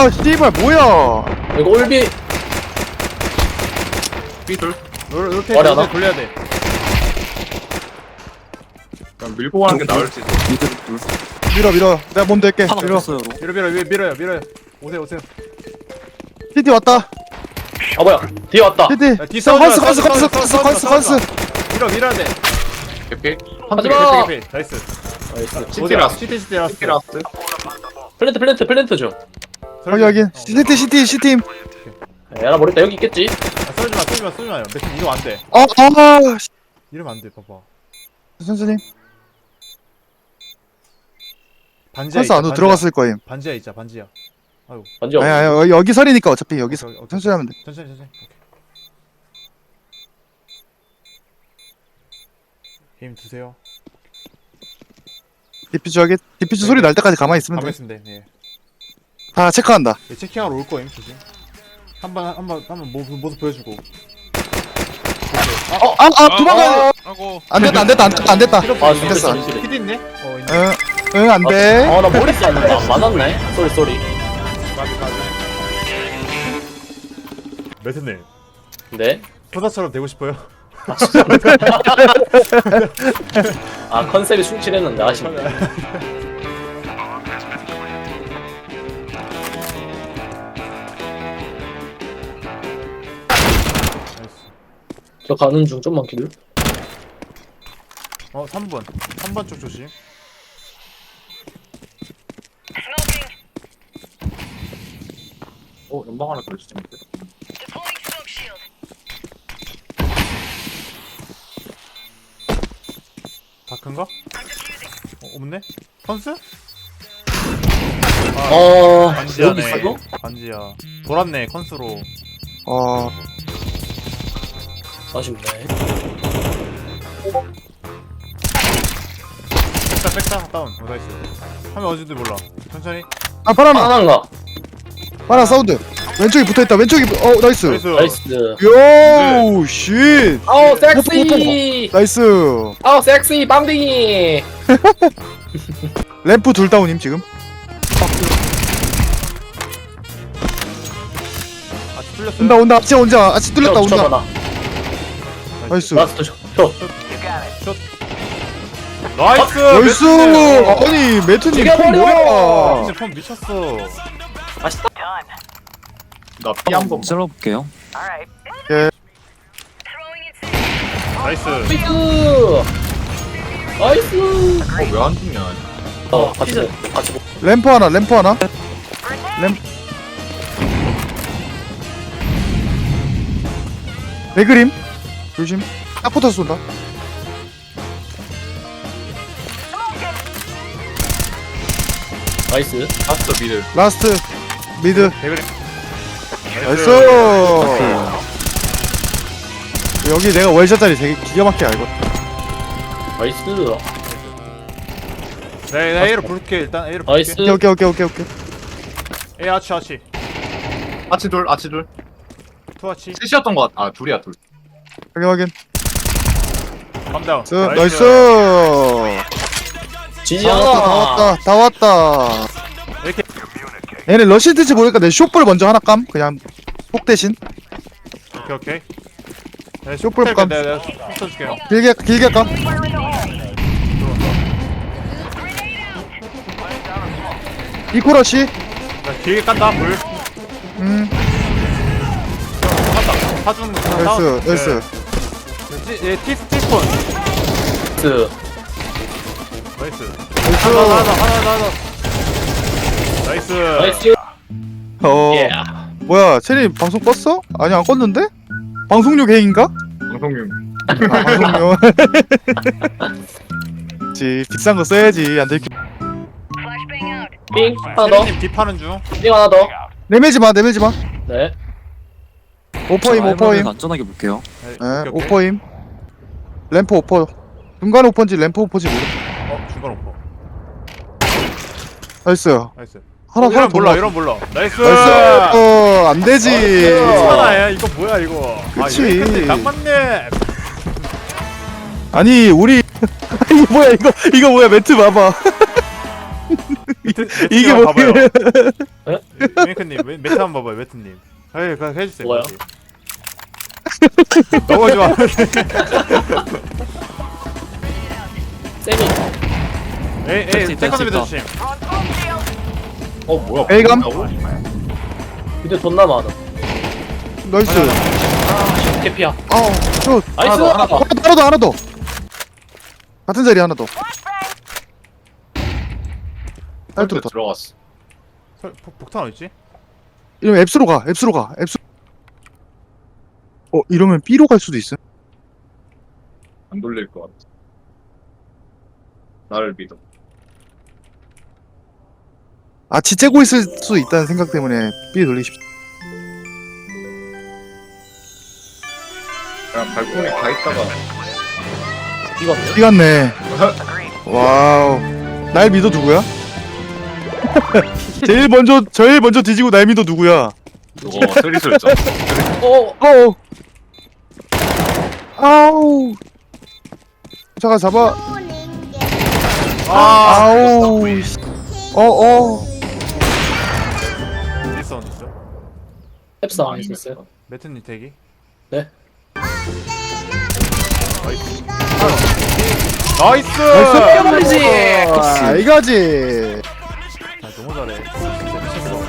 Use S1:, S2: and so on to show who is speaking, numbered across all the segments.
S1: 아 씨발 뭐야.
S2: 이거 올비
S3: 삐둘.
S4: 이렇게
S2: 머리 하나?
S4: 돌려야 돼.
S3: 그냥 밀고 가는 게 나을지.
S1: 밀어 내가 몸 될게.
S5: 하나
S1: 밀어.
S5: 없어요.
S4: 밀어요 밀어요. 오세요.
S1: TT 왔다.
S2: 아 뭐야 뒤에 왔다
S1: TT.
S4: 야, 뒤 싸우지 마,
S1: 컨스.
S4: 밀어야 돼.
S3: 개피.
S2: 하지마
S4: 나이스.
S2: 나이스
S3: 시티라스.
S4: 시티 라스트.
S3: 시티라스.
S2: 플랜트죠
S1: 확인. CT.
S2: 야나 모르겠다 여기 있겠지
S4: 쏘지 마요. 매트 이러면 안 돼. 이러면 안 돼. 봐봐.
S1: 선생님.
S4: 반지하
S1: 컨스 안으로 들어갔을 거임.
S4: 반지하 있자. 반지하. 아이고.
S2: 완전
S1: 아니 여기 설이니까 어차피 여기서
S4: 오케이.
S1: 천천히 하면 돼.
S4: 천천히. 오케이. 힘 드세요.
S1: 디퓨즈 소리 날 때까지 가만히 있으면 돼.
S4: 가만 있으면 돼. 네.
S1: 다 체크한다.
S4: 예, 체킹하러 올 거임 조심. 한번 모습 보여주고.
S1: 도망가야 돼.
S3: 아고.
S1: 안 됐다.
S2: 아
S1: 됐어.
S2: 소리
S4: 피디 있네. 있네.
S1: 응, 안 돼.
S2: 아나 머리 쌌는데 안 맞았네 쏘리
S4: 까비. 매트님.
S2: 네?
S4: 소다처럼 되고 싶어요?
S2: 아 컨셉이 충실했는데 아쉽네 저 가는 중 좀만 기다려
S4: 3번 쪽 조심.
S3: 연방 하나 걸리지.
S4: 다 큰가? 없네? 컨스?
S2: 여기
S4: 반지하네.
S2: 있어?
S4: 반지하. 돌았네 컨스로.
S2: 아쉽네
S4: 백사 다운. 나이스. 하면 어딘지 몰라. 천천히.
S1: 파라나.
S2: 하나인가?
S1: 사운드. 왼쪽에 붙어있다. 나이스.
S4: 나이스.
S2: 나이스
S1: 요, 쉿.
S2: 아우 섹시
S1: 나이스.
S2: 아우 섹시 빵댕이
S1: 램프 둘 다운임 지금.
S4: 뚫렸어요.
S1: 온다. 아치 뚫렸다. 온다. 나이스.
S2: 라스트 셔
S4: 나이스.
S1: 나이스. 아니 매트님 폼
S2: 죽여버려.
S1: 뭐야?
S4: 진짜 폼 미쳤어.
S2: 맛있다
S3: 나피 한 번.
S5: 찔러볼게요.
S4: 나이스.
S2: 나이스
S3: 왜안 죽냐?
S2: 같이
S1: 램프 하나. 배그림 조심. 딱 붙어서 쏜다.
S2: 나이스
S3: 라스트 미들.
S1: 라스트 미드.
S4: 대그리.
S1: 나이스. 여기 내가 월샷짜리 되게 기가 막히게 알고.
S2: 나이스
S4: 네, A로 부를게 일단. A로
S2: 나이스
S4: 부를게.
S1: 오케이.
S4: A 아치.
S3: 아치 둘.
S4: 투아치.
S3: 셋이었던 것 같아. 둘이야 둘.
S1: 확인.
S4: 감다운.
S1: 나이스.
S2: 지지야
S1: 다 왔다.
S4: 이렇게.
S1: 얘네 러시 될지 모르니까 내 쇼볼 먼저 하나 깜. 그냥 폭 대신.
S4: 오케이. 네,
S1: 쇼플 감.
S4: 내가 써줄게요.
S1: 길게 깜. 이코러시.
S4: 나 길게 깐다 물. 깐다. 사주는 거.
S1: 나이스.
S4: 얘 티스폰. 나이스. 하나. 나이스.
S2: 나이스 예
S1: 뭐야, 체리 방송 껐어? 아니 안 껐는데? 방송용 행인가?
S3: 방송용.
S1: 방송용. 비싼 거 써야지. 안 들키.
S2: 삥 하나 더
S4: 님 딥하는 중.
S2: 삥 하나 더
S1: 내밀지 마.
S2: 네
S1: 오퍼임.
S5: 안전하게 볼게요.
S1: 예, 오퍼임. 램프 오퍼. 중간 오퍼인지 램프 오퍼인지 모르.
S4: 중간 오퍼.
S1: 나이스.
S4: 나이스.
S1: 하나
S4: 이런 몰라.
S1: 더
S4: 이런 몰라. 나이스.
S1: 나이스. 안 되지.
S4: 괜찮아. 이거 뭐야 이거.
S1: 그치.
S4: 딱 맞네.
S1: 아니 우리 이거 뭐야 이거 뭐야 매트 봐봐. 이게 뭐
S4: 봐봐요. 메이크님 매트 한번 봐봐요 매트님. 에이 그냥 해주세요.
S2: 뭐요?
S4: 너무 좋아.
S2: 세미.
S4: 에이 탱커 좀 해주심.
S3: 뭐야?
S1: A감?
S2: 근데 존나 많아.
S1: 나이스.
S2: 아, 개피야.
S1: 슛.
S2: 나이스!
S1: 하나 더. 같은 자리 하나 더.
S3: 딸도
S1: 딸도 더.
S3: 들어갔어.
S4: 폭탄 어딨지?
S1: 이러면 앱스로 가. 이러면 B로 갈 수도 있어.
S3: 안 돌릴 것 같아. 나를 믿어.
S1: 째고 있을 수 있다는 생각 때문에 B 돌리십시오.
S3: 그냥 발코니 가 있다가
S2: 이거네.
S1: B 갔네. 와우. 날 믿어 누구야? 제일 먼저 뒤지고 날 믿어 누구야?
S3: 그거 스리슬쩍.
S2: 어,
S1: 아우. 잠깐 잡아.
S4: 아
S1: 아우.
S4: 있어 있어.
S2: 앱사 안 있었어요.
S4: 매트님 대기.
S2: 네.
S4: 나이스.
S2: 뼈버리지.
S1: 이거지.
S4: 너무 잘해. 진짜 미쳤어.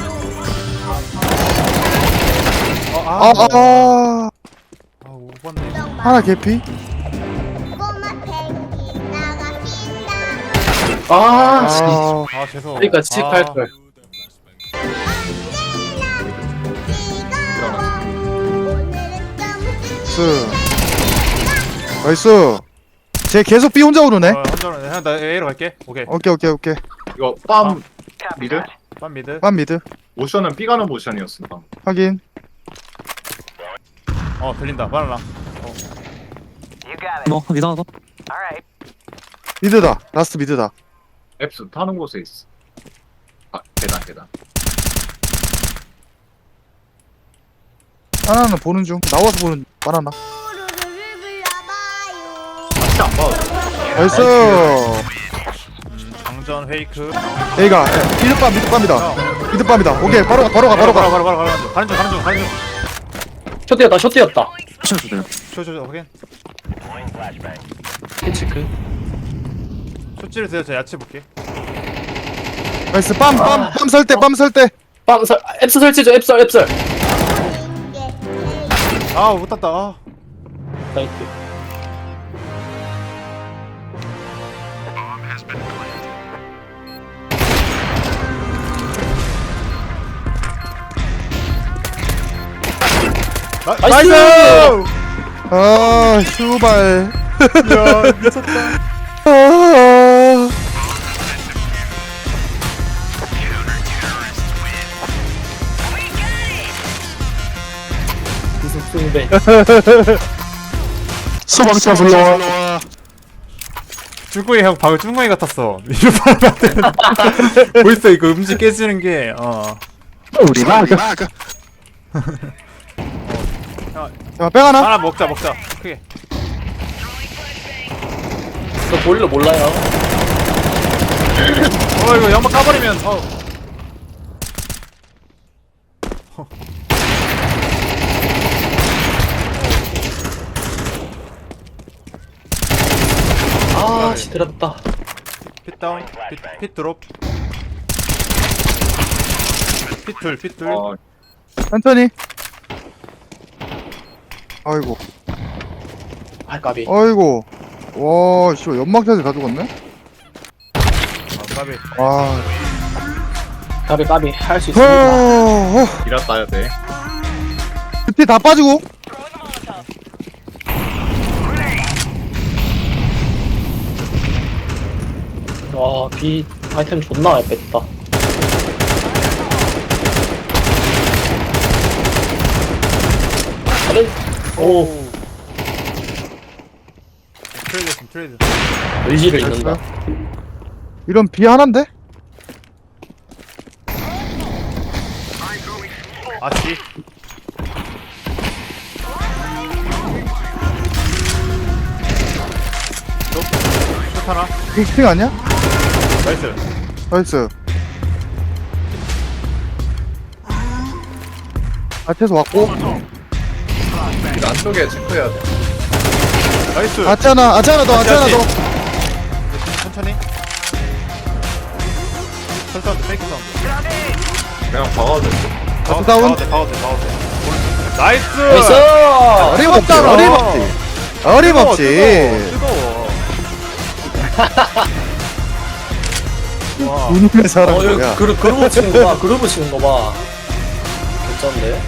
S4: 못 봤네.
S1: 하나 개피.
S2: 아,
S4: 죄송.
S2: 그러니까 칙할 걸.
S1: 나이스. 쟤 계속 B 혼자 오르네.
S4: 혼자는 나 A로 갈게. 오케이.
S1: 오케이.
S3: 이거 빰 미드?
S4: 빰 미드.
S1: 빰 미드.
S3: 모션은 B 가는 모션이었어.
S1: 확인.
S4: 들린다. 바나나.
S5: 너 이상하다.
S1: 미드다. 라스트 미드다.
S3: 앱스 타는 곳에 있어. 계단.
S1: 하나는 보는 중. 나와서 보는 바나나.
S3: 같이 안 봐도 돼.
S1: 나이스.
S4: 장전 페이크.
S1: A가 미드밤이다. 미드밤이다. 오케이 바로 가.
S4: 바로 가는 중.
S2: 숏 뛰었다.
S5: 치워도 돼요.
S4: 쇼 확인.
S2: 치크.
S4: 쇼찌를 세요. 저 야채 볼게.
S1: 나이스. 빰 설 때.
S2: 앱스 설치죠. 앱설.
S4: 못 땄다.
S2: 나이스.
S4: 나이스.
S1: 슈발.
S4: 야 미쳤다.
S2: 기승승배.
S1: 소방차 불러와.
S4: 쭈꾸이 형 방금 쭈꾸이 같았어. 이거 봐야 보이스 이거 음식 깨지는 게
S1: 우리 마그. 자, 빼 하나.
S4: 하나 먹자 크게.
S2: 저 보일러 몰라요.
S4: 이거 연막 까버리면
S2: 아, 씨 들었다.
S4: 핏 다운 핏 드롭 핏둘
S1: 천천히. 아이고.
S2: 까비.
S1: 와, 씨, 연막샷을 가져갔네?
S4: 까비.
S2: 까비 할 수 있습니다.
S3: 이라 따야 돼.
S1: 그때 다 빠지고.
S2: 와, B 아이템 존나 많이 뺐다. 오,
S4: 트레이드
S2: 의지를 잃는다.
S1: 이런 B 하나인데?
S4: 아씨 슛 하나
S1: 핑 아니야?
S4: 나이스
S1: 나이스. 아트에서 왔고.
S3: 길 안쪽에 체크해야 돼.
S4: 나이스.
S1: 아트 하나 더, 아트 하나 더.
S4: 천천히. 설사운드, 페이크 사운드.
S3: 그냥 박아도 돼.
S1: 아트 다운.
S4: 바우드. 나이스!
S2: 나이스!
S1: 어림없지, 어림없지.
S4: 뜨거워. 와.
S1: 눈의 사람
S2: 어, 여기
S1: 뭐야.
S2: 그루브 치는 거 봐. 그루브 치는 거 봐. 괜찮네.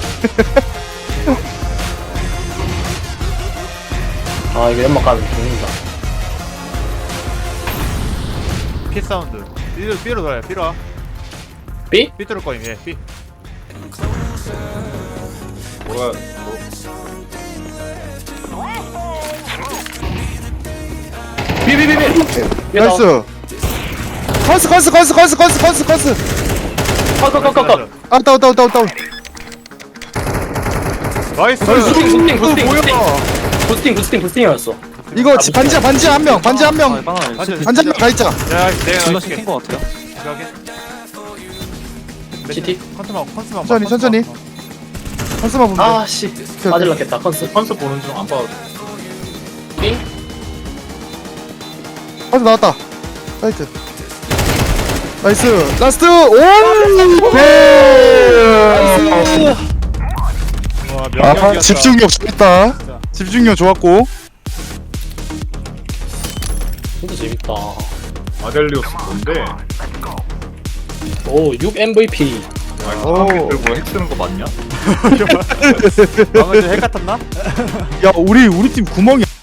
S2: 아, 이거 연막 가면 죽는다.
S4: 피 사운드. B로 돌아요. B로 와.
S2: B?
S4: B 뚫을 거임. 예. B.
S3: 뭐야?
S2: B.
S1: 나이스. 컨스.
S2: 컷.
S1: 아, 다운.
S4: 나이스.
S2: 부스팅이었어.
S1: 이거 반지 한 명. 반지 한 명 다 있자.
S4: 야, 내가
S5: 질러
S4: 이렇게.
S5: 시킨 거 같아요.
S2: CT?
S4: 컨트만.
S1: 천천히. 컨스만 보면 돼.
S2: 아, 씨. 맞을랐겠다, 컨스.
S3: 컨스 보는 중 안 봐도 돼.
S2: B?
S1: 컨스 나왔다. 사이트. 나이스. 라스트. 오!
S4: 와,
S1: 아,
S4: 명령이었다.
S1: 집중력 좋았다. 집중력 좋았고.
S2: 진짜 재밌다.
S3: 아델리오스 뭔데?
S2: 오, 6 MVP.
S1: 오.
S3: 들고 핵 쓰는 거 맞냐?
S4: 방금 핵 같았나?
S1: 야, 우리 팀 구멍이